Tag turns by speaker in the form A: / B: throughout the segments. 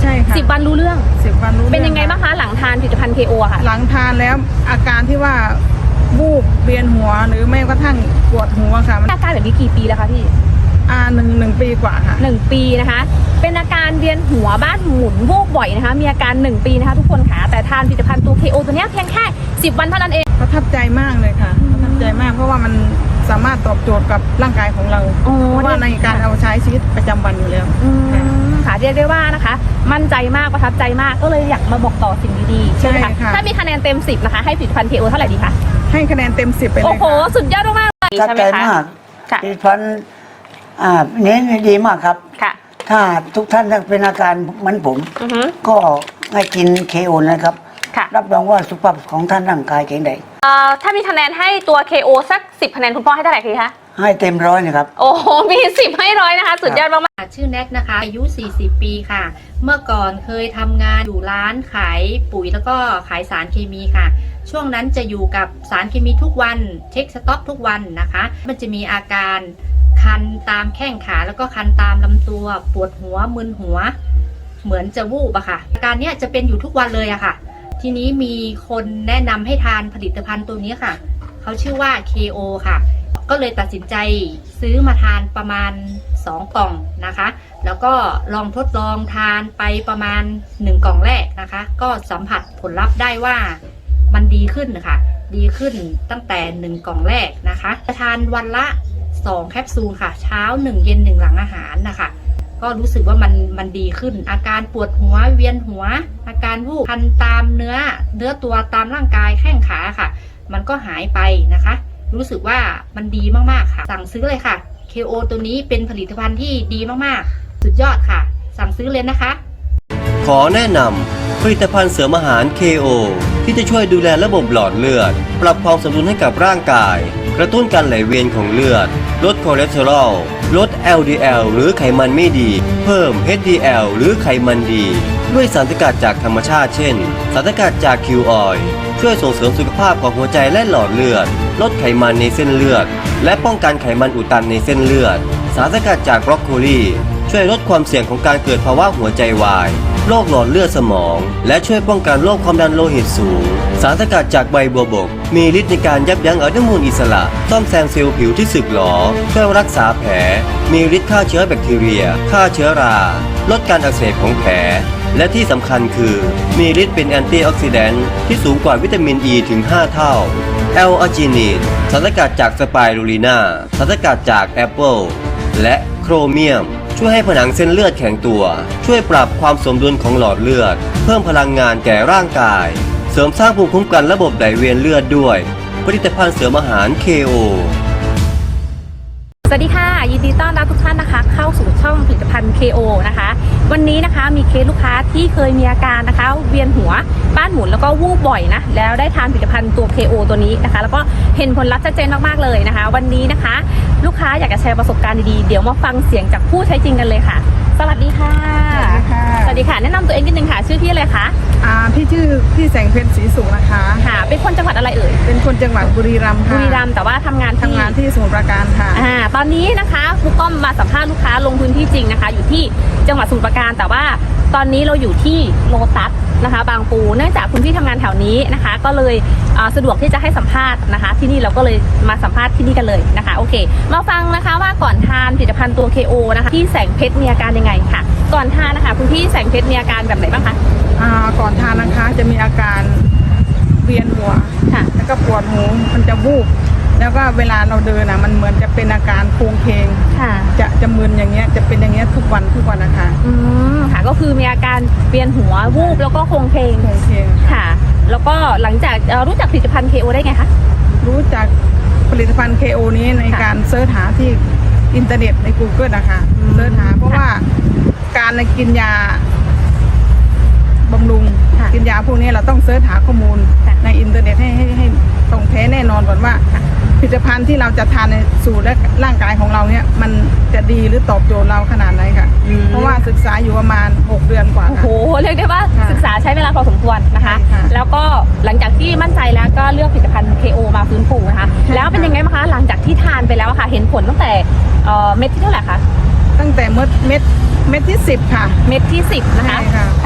A: ใช่ค่ะ
B: 10 วันรู้เรื่อง
A: 10 วันรู้เรื่อง
B: เป็นยังไงบ้างคะหลังทานผลิตภัณฑ์ KO ค่ะ
A: หลังทานแล้วอาการที่ว่าวูบเวียนหัวหรือไม่กระทั่งปวดหัวค่ะ
B: อาการแบบนี้กี่ปีแล้วคะพี่
A: หนึ่งปีกว่าค่ะ
B: 1 ปีนะคะเป็นอาการเวียนหัวบ้านหมุนวูบบ่อยนะคะมีอาการ1 ปีนะคะทุกคนค่ะแต่ทานผลิตภัณฑ์ตัว KO ตัวนี้เพียงแค่10 วันเท่านั้นเอง
A: ประทับใจมากเลยค่ะประทับใจมากเพราะว่ามันสามารถตอบโจทย์กับร่างกายของเราเพราะว่าในการเอาใช้ชีวิตประจำวันอยู่แล้ว
B: ค่ะเรียกได้ว่านะคะมั่นใจมากประทับใจมากก็เลยอยากมาบอกต่อสิ่งดีๆใช่ไหมคะถ้ามีคะแนนเต็ม10นะคะให้ผลิตภัณฑ์ KO เท่าไหร่ดีคะ
A: ให้คะแนนเต็ม10ไปเลย
B: โอ้โหสุดยอดมากเลย
C: ประทับใจมากผลิตภัณฑ์นี้ดีมากครับถ้าทุกท่านเป็นอาการเหมือนผมก็ให้กิน KO นะครับรับรองว่าสุขภาพของท่านร่างกายแข็งแรง
B: ถ้ามีคะแนนให้ตัว KO สัก10 คะแนนคุณพ่อให้เท่าไหร่คะ
C: ให้เต็ม100นะครับ
B: โอ้โหมี10ให้100นะคะสุดยอดมาก
D: ชื่อแน็กนะคะอายุ40 ปีค่ะเมื่อก่อนเคยทำงานอยู่ร้านขายปุ๋ยแล้วก็ขายสารเคมีค่ะช่วงนั้นจะอยู่กับสารเคมีทุกวันเช็คสต็อกทุกวันนะคะมันจะมีอาการคันตามแข้งขาแล้วก็คันตามลำตัวปวดหัวมึนหัวเหมือนจะวูบอะค่ะอาการเนี้ยจะเป็นอยู่ทุกวันเลยอะค่ะทีนี้มีคนแนะนำให้ทานผลิตภัณฑ์ตัวนี้ค่ะเขาชื่อว่า KO ค่ะก็เลยตัดสินใจซื้อมาทานประมาณ2 กล่องนะคะแล้วก็ลองทดลองทานไปประมาณ1 กล่องแรกนะคะก็สัมผัสผลลัพธ์ได้ว่ามันดีขึ้นค่ะดีขึ้นตั้งแต่1 กล่องแรกนะคะทานวันละ2 แคปซูลค่ะเช้า1 เย็น1หลังอาหารนะคะก็รู้สึกว่ามันดีขึ้นอาการปวดหัวเวียนหัวอาการวูบคันตามเนื้อตัวตามร่างกายแข้งขาค่ะมันก็หายไปนะคะรู้สึกว่ามันดีมากๆค่ะสั่งซื้อเลยค่ะ KO ตัวนี้เป็นผลิตภัณฑ์ที่ดีมากๆสุดยอดค่ะสั่งซื้อเลยนะคะ
E: ขอแนะนำผลิตภัณฑ์เสริมอาหาร KO ที่จะช่วยดูแลระบบหลอดเลือดปรับความสมดุลให้กับร่างกายกระตุ้นการไหลเวียนของเลือดลดคอเลสเตอรอลลด LDL หรือไขมันไม่ดีเพิ่ม HDL หรือไขมันดีด้วยสารสกัดจากธรรมชาติเช่นสารสกัดจากคิวออยล์ช่วยส่งเสริมสุขภาพของหัวใจและหลอดเลือดลดไขมันในเส้นเลือดและป้องกันไขมันอุดตันในเส้นเลือดสารสกัดจากบรอกโคลีช่วยลดความเสี่ยงของการเกิดภาวะหัวใจวายโรคหลอดเลือดสมองและช่วยป้องกันโรคความดันโลหิตสูงสารสกัดจากใบบัวบกมีฤทธิ์ในการยับยั้งอนุมูลอิสระซ่อมแซมเซลล์ผิวที่สึกหรอช่วยรักษาแผลมีฤทธิ์ฆ่าเชื้อแบคทีเรียฆ่าเชื้อราลดการอักเสบของแผลและที่สำคัญคือมีฤทธิ์เป็นแอนตี้ออกซิแดนต์ที่สูงกว่าวิตามินอ e ีถึง5 เท่าแอลอาจินีนสารสกัดจากสไปรูลินาสารสกัดจากแอปเปิลและโครเมียมช่วยให้ผนังเส้นเลือดแข็งตัวช่วยปรับความสมดุลของหลอดเลือดเพิ่มพลังงานแก่ร่างกายเสริมสร้างภูมิคุ้มกันระบบไหลเวียนเลือดด้วยผลิตภัณฑ์เสริมอาหาร KO
B: สวัสดีค่ะยินดีต้อนรับทุกท่านนะคะเข้าสู่ช่องผลิตภัณฑ์ KO นะคะวันนี้นะคะมีเคสลูกค้าที่เคยมีอาการนะคะเวียนหัวบ้านหมุนแล้วก็วูบบ่อยนะแล้วได้ทานผลิตภัณฑ์ตัว KO ตัวนี้นะคะแล้วก็เห็นผลลัพธ์ชัดเจนมากๆเลยนะคะวันนี้นะคะลูกค้าอยากจะแชร์ประสบการณ์ดีๆเดี๋ยวมาฟังเสียงจากผู้ใช้จริงกันเลยค่ะสวัสดีค่ะสวัสดีค่ะแนะนำตัวเองนิดนึงค่ะชื่อพี่อะไรคะ
A: พี่ชื่อพี่แสงเพ็ญศรีสุขนะคะ
B: ค่ะเป็นคนจังหวัดอะไรเอ่ย
A: เป็นคนจังหวัดบุรีรัมย์ค่ะ
B: บุรีรัมย์แต่ว่าทำงาน
A: ที่สมุทรปราการค่ะ
B: ตอนนี้นะคะครูก้อมมาสัมภาษณ์ลูกค้าลงพื้นที่จริงนะคะอยู่ที่จังหวัดสมุทรปราการแต่ว่าตอนนี้เราอยู่ที่โลตัสนะคะบางปูเนื่องจากคุณพี่ทำงานแถวนี้นะคะก็เลยสะดวกที่จะให้สัมภาษณ์นะคะที่นี่เราก็เลยมาสัมภาษณ์ที่นี่กันเลยนะคะโอเคมาฟังนะคะว่าก่อนทานผลิตภัณฑ์ตัว KO นะคะที่แสงเพชรมีอาการยังไงค่ะก่อนทานนะคะคุณพี่แสงเพชรมีอาการแบบไหนบ้างคะ
A: ก่อนทานนะคะจะมีอาการเวียนหัวแล้วก็ปวดหูมันจะวูบแล้วก็เวลาเราเดินมันเหมือนจะเป็นอาการโคลงเคงจะมึนอย่างเงี้ยจะเป็นอย่างเงี้ยทุกวันนะคะ
B: ค่ะก็คือมีอาการเวียนหัววูบแล้วก็โคลงเคงค่ะแล้วก็หลังจากรู้จักผลิตภัณฑ์ KO ได้ไงคะ
A: รู้จักผลิตภัณฑ์ KO นี้ในการเสิร์ชหาที่อินเทอร์เน็ตใน Google นะคะเสิร์ชหาเพราะว่าการกินยาบำรุงกินยาพวกนี้เราต้องเสิร์ชหาข้อมูลในอินเทอร์เน็ตให้ตรงแท้แน่นอนก่อนว่าผลิตภัณฑ์ที่เราจะทานในสู่และร่างกายของเราเนี่ยมันจะดีหรือตอบโจทย์เราขนาดไหนค่ะเพราะว่าศึกษาอยู่ประมาณ6 เดือนกว่า
B: โอ้โหเรียกได้ว่าศึกษาใช้เวลาพอสมควรนะคะแล้วก็หลังจากที่มั่นใจแล้วก็เลือกผลิตภัณฑ์ KO มาฟื้นฟูนะคะแล้วเป็นยังไงบ้างคะหลังจากที่ทานไปแล้วค่ะเห็นผลตั้งแต่เม็ดที่เท่าไหร่คะ
A: ตั้งแต่เม็ดที่10ค่ะ
B: เม็ดที่10นะคะ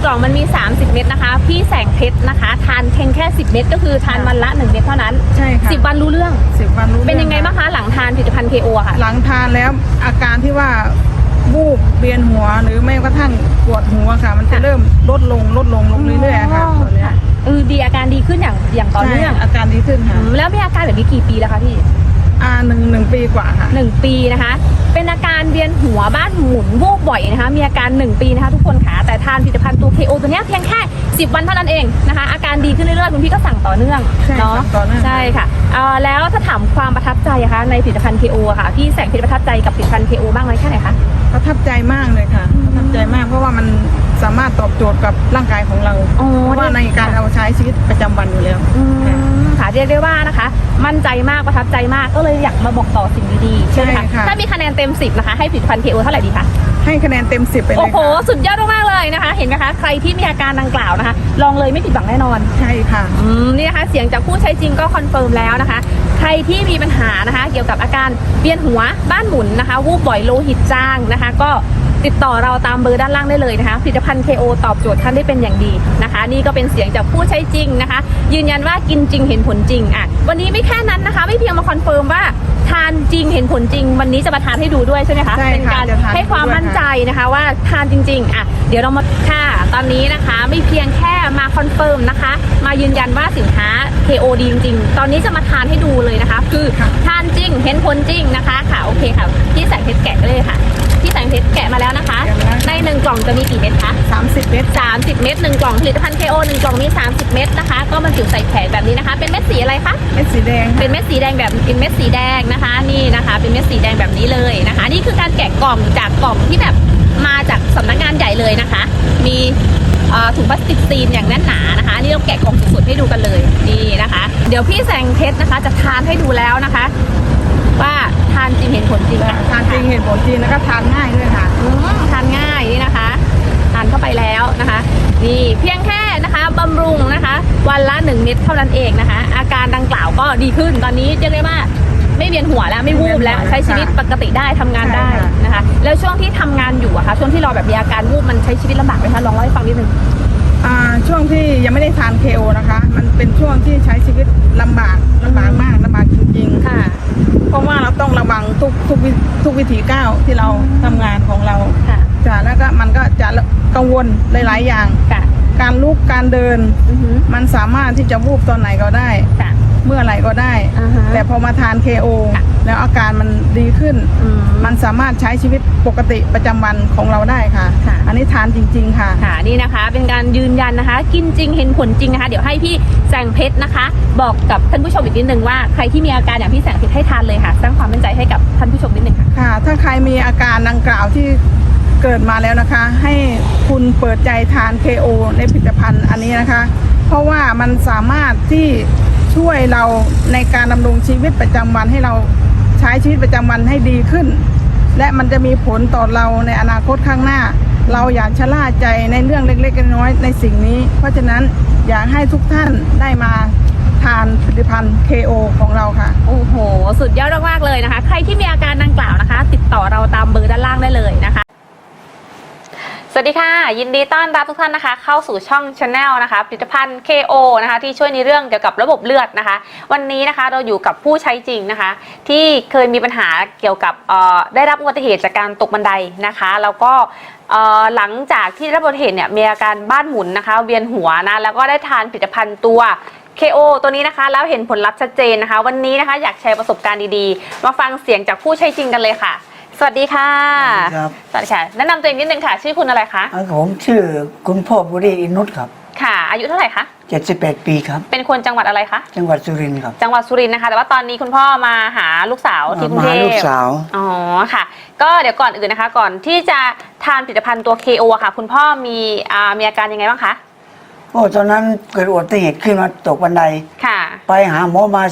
B: ล่องมันมี30เม็ดนะคะพี่แสงเพชรนะคะทานเพียงแค่10เม็ดก็คือทานวันละ1เม็ดเท่านั้น
A: ใช่ค่ะ
B: 10 วันรู้เรื่อง
A: 10 วันรู้
B: เป็นยังไง
A: รื่อ
B: บ้างคะหลังทานผลิตภัณฑ์ KO ค่ะ
A: หลังทานแล้วอาการที่ว่าวูบเวียนหัวหรือไม่กระทั่งปวดหัวค่ะ มันจะ
B: ค่ะ
A: เริ่มลดลงเรื่อยๆค่ะตอนเนี้ย
B: ดีอาการดีขึ้นอย่างต่อเนื่อง
A: ใช่อาการดีขึ้นค่ะ
B: แล้วมีอาการแบบนี้กี่ปีแล้วคะพี่
A: หนึ่งปีกว่าค่ะ
B: 1 ปีนะคะ เป็นอาการเวียนหัวบ้านหมุนวูบบ่อยนะคะ มีอาการ1ปีนะคะทุกคนค่ะ แต่ทานผลิตภัณฑ์ตัว KO ตัวเนี้ยเพียงแค่10 วันเท่านั้นเองนะคะ อาการดีขึ้นเรื่อยๆคุณพี่ก็สั่งต่อเนื่อง
A: ใช่
B: เนาะ
A: สั่งต่อเนื่อง
B: ใช่ค่ะแล้วถ้าถามความประทับใจอะคะในผลิตภัณฑ์ KO อะค่ะพี่แสงเพชรประทับใจกับผลิตภัณฑ์ KO บ้างไหมแค่ไหนคะ
A: ประทับใจมากเลยค่ะประทับใจมากเพราะว่ามันสามารถตอบโจทย์กับร่างกายของเรา
B: อ๋อ
A: เพราะว่าในการเอาใช้ชีวิตประจำวันอยู่แล้ว
B: ค่ะเรียกได้ว่านะคะ มั่นใจมากประทับใจมากก็เลยอยากมาบอกต่อสิ่งดีๆใช่ไหม
A: ใช่
B: คะ
A: ค่ะ
B: ถ้ามีคะแนนเต็ม10นะคะให้ผลิตภัณฑ์ KO เท่าไหร่ดีคะ
A: ให้คะแนนเต็ม 10 ไปเลย
B: โอ้โห
A: ค่ะ
B: สุดยอดมากๆเลยนะคะ เห็นไหมคะใครที่มีอาการดังกล่าวนะคะ ลองเลยไม่ผิดหวังแน่นอน
A: ใช่ค่ะ
B: นี่นะคะเสียงจากผู้ใช้จริงก็คอนเฟิร์มแล้วนะคะ ใครที่มีปัญหานะคะ เกี่ยวกับอาการเวียนหัวบ้านหมุนนะคะวูบบ่อยโลหิตจางนะคะ ก็ติดต่อเราตามเบอร์ด้านล่างได้เลยนะคะผลิตภัณฑ์ KO ตอบโจทย์ท่านได้เป็นอย่างดีนะคะ นี่ก็เป็นเสียงจากผู้ใช้จริงนะคะ ยืนยันว่ากินจริงเห็นผลจริงอ่ะวันนี้ไม่แค่นั้นนะคะ ไม่เพียงมาคอนเฟิร์มว่าทานจริงเห็นผลจริง วันนี้จะมาทานให้ดูด้วยใช่ไหมคะ
A: ใช่ค่ะ
B: เป็นการ
A: จะทาน
B: ให้ความ
A: ด้วย
B: มั่น
A: ค่ะ
B: ใจนะคะว่าทานจริงๆอ่ะเดี๋ยวเรามาค่ะตอนนี้นะคะไม่เพียงแค่มาคอนเฟิร์มนะคะ มายืนยันว่าสินค้า KO ดีจริงๆ ตอนนี้จะมาทานให้ดูเลยนะคะ คือทานจริงเห็นผลจริงนะคะค่ะโอเคค่ะพี่แสงเพชรแกะเลยค่ะพี่แสงเพชรแกะมาแล้วนะคะ ใน1กล่องจะมีกี่เม็ดคะ
A: 30 เม็ด
B: 30 เม็ด1กล่องผลิตภัณฑ์ KO 1กล่องมี30 เม็ดนะคะ ก็บรรจุใส่แผงแบบนี้นะคะ เป็นเม็ดสีอะไรคะ
A: เม็ดสีแดง
B: เป็นเม็ดสีแดงแบบเป็นเม็ดสีแดงนะคะนี่นะคะเป็นเม็ดสีแดงแบบนี้เลยนะคะนี่คือการแกะกล่องจากกล่องที่แบบมาจากสำนักงานใหญ่เลยนะคะ มีถุงพลาสติกซีนอย่างแน่นหนานะคะนี่เราแกะกล่องสดๆให้ดูกันเลยนี่นะคะ เดี๋ยวพี่แสงเพชรนะคะจะทานให้ดูแล้วนะคะ ว่าทานจริงเห็นผลจริงค่ะ
A: ทานจริงเห็นผลจริงแล้วก็ทานง่ายด้วยค่ะ
B: ทานง่ายนี่นะคะทานเข้าไปแล้วนะคะนี่เพียงแค่นะคะบำรุงนะคะวันละ1 เม็ดเท่านั้นเองนะคะ อาการดังกล่าวก็ดีขึ้นตอนนี้เรียกได้ว่าไม่เวียนหัวแล้วไม่วูบแล้วใช้ชีวิตปกติได้ทำงานได้
A: ใช่ค่ะ
B: นะคะ แล้วช่วงที่ทำงานอยู่อะคะช่วงที่เราแบบมีอาการวูบมันใช้ชีวิตลำบากไหมคะลองเล่าให้ฟังนิดนึง
A: ช่วงที่ยังไม่ได้ทาน KO นะคะ มันเป็นช่วงที่ใช้ชีวิตลำบากมากลำบากจริงๆ
B: ค่ะ
A: เพราะว่าเราต้องระวังทุกวิถีก้าวที่เราทำงานของเรา
B: ค่ะ
A: จ้ะแล้วก็มันก็จะกังวลหลายๆอย่าง
B: ค่ะ
A: การลุกการเดิน
B: อือหือ
A: มันสามารถที่จะวูบตอนไหนก็ได้
B: ค่ะ
A: เมื่อไหร่ก็ได้
B: อ่าฮะ
A: แต่พอมาทาน KO
B: ค่ะ
A: แล้วอาการมันดีขึ้น มันสามารถใช้ชีวิตปกติประจำวันของเราได้ค่ะ
B: ค่ะ
A: อันนี้ทานจริง ๆ ค่ะ
B: ค่ะนี่นะคะเป็นการยืนยันนะคะ กินจริงเห็นผลจริงนะคะ เดี๋ยวให้พี่แสงเพชรนะคะ บอกกับท่านผู้ชมอีกนิดนึงว่าใครที่มีอาการอย่างพี่แสงเพชรให้ทานเลยค่ะสร้างความมั่นใจให้กับท่านผู้ชมนิดนึงค่ะ
A: ค่ะ ถ้าใครมีอาการดังกล่าวที่เกิดมาแล้วนะคะ ให้คุณเปิดใจทาน KO ในผลิตภัณฑ์อันนี้นะคะ เพราะว่ามันสามารถที่ช่วยเราในการดำรงชีวิตประจำวันให้เราใช้ชีวิตประจำวันให้ดีขึ้น และมันจะมีผลต่อเราในอนาคตข้างหน้า เราอย่าชะล่าใจในเรื่องเล็กๆน้อยๆในสิ่งนี้ เพราะฉะนั้นอยากให้ทุกท่านได้มาทานผลิตภัณฑ์ KO ของเราค่ะ
B: โอ้โห สุดยอดมากๆเลยนะคะ ใครที่มีอาการดังกล่าวนะคะ ติดต่อเราตามเบอร์ด้านล่างได้เลยนะคะ สวัสดีค่ะ ยินดีต้อนรับทุกท่านนะคะ เข้าสู่ช่อง Channel นะคะผลิตภัณฑ์ KO นะคะที่ช่วยในเรื่องเกี่ยวกับระบบเลือดนะคะ วันนี้นะคะเราอยู่กับผู้ใช้จริงนะคะ ที่เคยมีปัญหาเกี่ยวกับได้รับอุบัติเหตุจากการตกบันไดนะคะแล้วก็หลังจากที่ได้รับอุบัติเหตุเนี่ยมีอาการบ้านหมุนนะคะเวียนหัวนะแล้วก็ได้ทานผลิตภัณฑ์ตัว KO ตัวนี้นะคะแล้วเห็นผลลัพธ์ชัดเจนนะคะ วันนี้นะคะอยากแชร์ประสบการณ์ดีๆมาฟังเสียงจากผู้ใช้จริงกันเลยค่ะ สวัสดีค่ะ
C: สวัสดีครับ
B: สวัสดีค่ะแนะนำตัวเองนิดนึงค่ะชื่อคุณอะไรคะ
C: ผมชื่อคุณพ่อบุรีอินุตครับ
B: ค่ะ อายุเท่าไหร่คะ
C: 71 ปีครับ
B: เป็นคนจังหวัดอะไรคะ
C: จังหวัดสุรินทร์ครับ
B: จังหวัดสุรินทร์นะคะ แต่ว่าตอนนี้คุณพ่อมาหาลูกสาวที่กรุง
C: มา
B: เท
C: หาลู
B: พ
C: กสาว
B: อ๋อค่ะ ก็เดี๋ยวก่อนอื่นนะคะ ก่อนที่จะทานผลิตภัณฑ์ตัว KO อะค่ะ คุณพ่อมีอาการยังไงบ้างคะ
C: โอ้ตอนนั้นเกิดอุบัติเหตุขึ้นมาตกบันได
B: ค่ะ
C: ไปหาหมอมา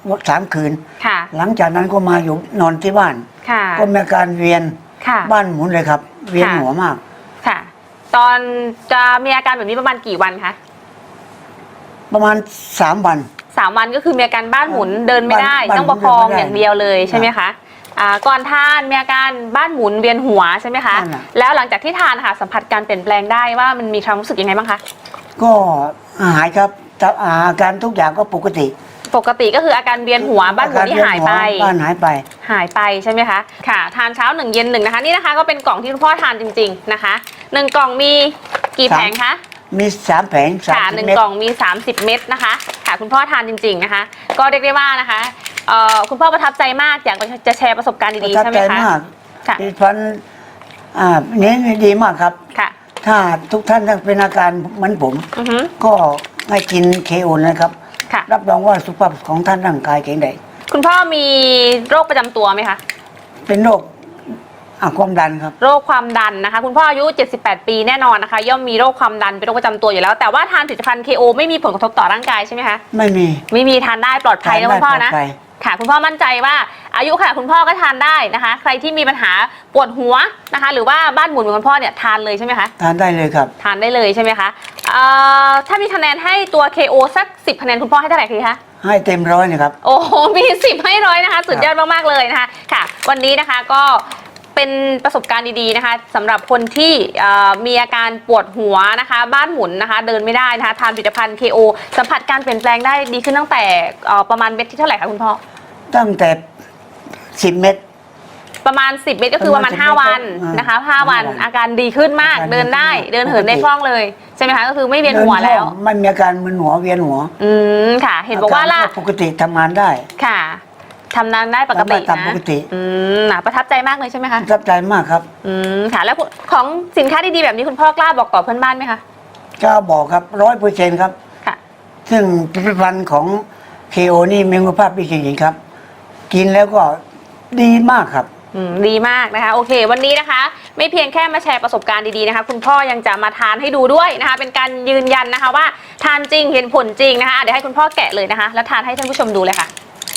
C: 3 คืน
B: ค่ะ
C: หลังจากนั้นก็มาอยู่นอนที่บ้าน
B: ค่ะ
C: ก็มีอาการเวียน
B: ค่ะ
C: บ้านหมุนเลยครับ เวียนหัวมาก
B: ค่ะ ตอนจะมีอาการแบบนี้ประมาณกี่วันคะ
C: ประมาณ3 วัน
B: 3 วันก็คือมีอาการบ้านหมุนเดินไม่ได้
C: บ้าน
B: ต้องประคอง
C: เดินไม่ได้
B: อย่างเดียวเลยใช่ไหมคะก่อนทานมีอาการบ้านหมุนเวียนหัวใช่ไหมคะ
C: นั่นน่ะ
B: แล้วหลังจากที่ทานค่ะสัมผัสการเปลี่ยนแปลงได้ว่ามันมีความรู้สึกยังไงบ้างคะ
C: ก็หายครับแต่อาการทุกอย่างก็ปกติ
B: ปกติก็คืออาการเวียนหัวบ้านหมุนที่หายไป
C: บ้านหายไป
B: หายไปใช่ไหมคะค่ะทานเช้า1เย็น1นะคะนี่นะคะก็เป็นกล่องที่คุณพ่อทานจริงๆนะคะ1กล่องมีกี่แผงคะ
C: มี3 แผง
B: ค่ะ
C: 30
B: 1
C: เม็ด
B: กล่องมี 30 เม็ดนะคะค่ะคุณพ่อทานจริงๆนะคะก็เรียกได้ว่านะคะคุณพ่อประทับใจมากอยากจะแชร์ประสบการณ์
C: ป
B: ดี
C: ระ
B: ๆ
C: ทับ
B: ใช่ไหม
C: ใจ
B: คะ
C: มาก
B: ค่ะ
C: ผลิตภัณฑ์นี้ดีมากครับ
B: ค่ะ
C: ถ้าทุกท่านเป็นอาการเหมือนผม
B: อือฮึ
C: ก็ให้กินเคโอนะครับ
B: ค่ะ
C: รับรองว่าสุขภาพของท่านร่างกายแข็งแรง
B: คุณพ่อมีโรคประจำตัวไหมคะ
C: เป็นโรคความดันครับ
B: โรคความดันนะคะคุณพ่ออายุ78 ปีแน่นอนนะคะย่อมมีโรคความดันเป็นโรคประจำตัวอยู่แล้วแต่ว่าทานผลิตภัณฑ์ KO ไม่มีผลกระทบต่อร่างกายใช่ไหมคะ
C: ไม่มี
B: ไม่มีทานได้ปลอดภัยนะคุณพ่อนะ
C: ทานได้ปลอดภัย
B: ค่ะคุณพ่อมั่นใจว่าอายุค่ะคุณพ่อก็ทานได้นะคะ ใครที่มีปัญหาปวดหัวนะคะ หรือว่าบ้านหมุนเหมือนคุณพ่อเนี่ยทานเลยใช่ไหมคะ
C: ทานได้เลยครับ
B: ทานได้เลยใช่ไหมคะถ้ามีคะแนนให้ตัว KO สัก10คะแนนคุณพ่อให้เท่าไหร่คะ
C: ให้เต็มร้อยนะครับ
B: โอ้โหมี10ให้100นะคะสุดยอดมากๆเลยนะคะค่ะ วันนี้นะคะก็เป็นประสบการณ์ดีๆนะคะสำหรับคนที่มีอาการปวดหัวนะคะบ้านหมุนนะคะเดินไม่ได้นะคะทานผลิตภัณฑ์ KO สัมผัสการเปลี่ยนแปลงได้ดีขึ้นตั้งแต่ประมาณเม็ดที่เท่าไหร่คะคุณพ่อ
C: ตั้งแต่10 เม็ด
B: ประมาณ10 เม็ดก็คือประมาณ
C: ประมาณ10
B: 5 วันนะคะ5 วันอาการดีขึ้นมาก
C: อาการดี
B: เดินได้
C: ขึ้นมาก
B: เดินเหินได้
C: ปกติ
B: คล่องเลยใช่ไหมคะก็คือไม่เวียนหัวแล้ว
C: ไม่มีอาการมึนหัวเวียนหัว
B: ค่ะ เห็นบอกว่าล่ะ
C: ปกติทำงานได้
B: ค่ะทำงานได้ปกติ
C: ทำงานตาม
B: นะ
C: ปกติ
B: ประทับใจมากเลยใช่ไหมคะ
C: ประทับใจมากครับ
B: ค่ะแล้วของสินค้าดีๆแบบนี้คุณพ่อกล้าบอกต่อเพื่อนบ้านไหมคะ
C: ก็บอกครับ100%ครับ
B: ค่ะ
C: ซึ่งผลิตภัณฑ์ของเคโอนี่มีคุณภาพดีจริงๆครับ กินแล้วก็ดีมากครับ
B: ดีมากนะคะโอเค วันนี้นะคะ ไม่เพียงแค่มาแชร์ประสบการณ์ดีๆนะคะคุณพ่อยังจะมาทานให้ดูด้วยนะคะเป็นการยืนยันนะคะว่าทานจริงเห็นผลจริงนะคะเดี๋ยวให้คุณพ่อแกะเลยนะคะแล้วทานให้ท่านผู้ชมดูเลยค่ะ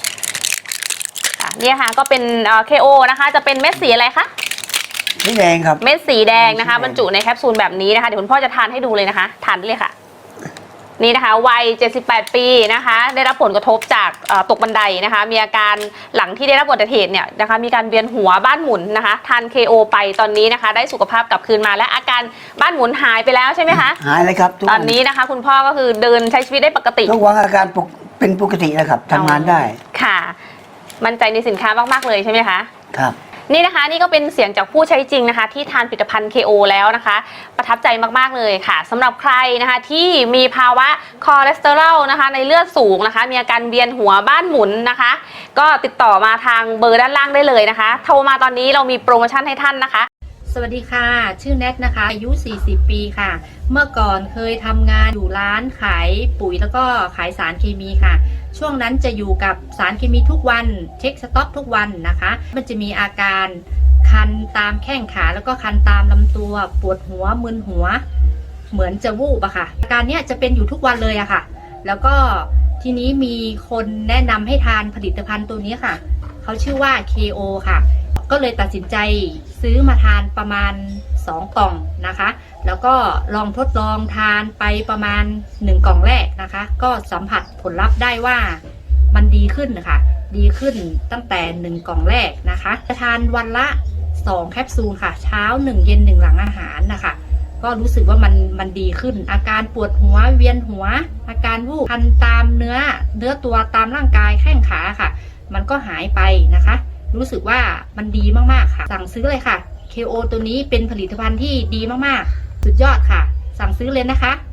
B: นี่ค่ะก็เป็น KO นะคะจะเป็นเม็ดสีอะไรคะ
C: สีแดงครับ
B: เม็ดสีแดงนะคะ
C: สีแดง
B: บรรจุในแคปซูลแบบนี้นะคะเดี๋ยวคุณพ่อจะทานให้ดูเลยนะคะทานได้เลยค่ะนี่นะคะวัย78 ปีนะคะได้รับผลกระทบจากตกบันไดนะคะมีอาการหลังที่ได้รับอุบัติเหตุเนี่ยนะคะมีการเวียนหัวบ้านหมุนนะคะทาน KO ไปตอนนี้นะคะได้สุขภาพกลับคืนมาและอาการบ้านหมุนหายไปแล้วใช่ไหมคะ
C: หายเลยครับทุก
B: ตอนนี้นะคะคุณพ่อก็คือเดินใช้ชีวิตได้ปกติ
C: ทุกวันอาการเป็นปกติแล้วครับทำงานได้
B: ค่ะมั่นใจในสินค้ามากๆเลยใช่ไหมคะ
C: ครับ
B: นี่นะคะนี่ก็เป็นเสียงจากผู้ใช้จริงนะคะที่ทานผลิตภัณฑ์ KO แล้วนะคะประทับใจมากๆเลยค่ะสำหรับใครนะคะที่มีภาวะคอเลสเตอรอลนะคะในเลือดสูงนะคะมีอาการเวียนหัวบ้านหมุนนะคะ ก็ติดต่อมาทางเบอร์ด้านล่างได้เลยนะคะโทรมาตอนนี้เรามีโปรโมชั่นให้ท่านนะคะ
D: สวัสดีค่ะ ชื่อแนทนะคะ อายุ 40 ปีค่ะ เมื่อก่อนเคยทำงานอยู่ร้านขายปุ๋ยแล้วก็ขายสารเคมีค่ะ ช่วงนั้นจะอยู่กับสารเคมีทุกวัน เช็คสต็อกทุกวันนะคะ มันจะมีอาการคันตามแข้งขาแล้วก็คันตามลำตัว ปวดหัวมึนหัว เหมือนจะวูบอะค่ะ อาการเนี้ยจะเป็นอยู่ทุกวันเลยอะค่ะ แล้วก็ทีนี้มีคนแนะนำให้ทานผลิตภัณฑ์ตัวนี้ค่ะ เขาชื่อว่า KO ค่ะ ก็เลยตัดสินใจซื้อมาทานประมาณ2 กล่องนะคะ แล้วก็ลองทดลองทานไปประมาณ1 กล่องแรกนะคะ ก็สัมผัสผลลัพธ์ได้ว่ามันดีขึ้นนะคะดีขึ้นตั้งแต่1 กล่องแรกนะคะจะทานวันละ2 แคปซูลค่ะ เช้า1 เย็น1 หลังอาหารนะคะ ก็รู้สึกว่ามันดีขึ้น อาการปวดหัวเวียนหัว อาการวูบคันตามเนื้อตัวตามร่างกายแข้งขาค่ะ มันก็หายไปนะคะ รู้สึกว่ามันดีมากๆค่ะ สั่งซื้อเลยค่ะ KO ตัวนี้เป็นผลิตภัณฑ์ที่ดีมากๆสุดยอดค่ะ สั่งซื้อเลยนะคะ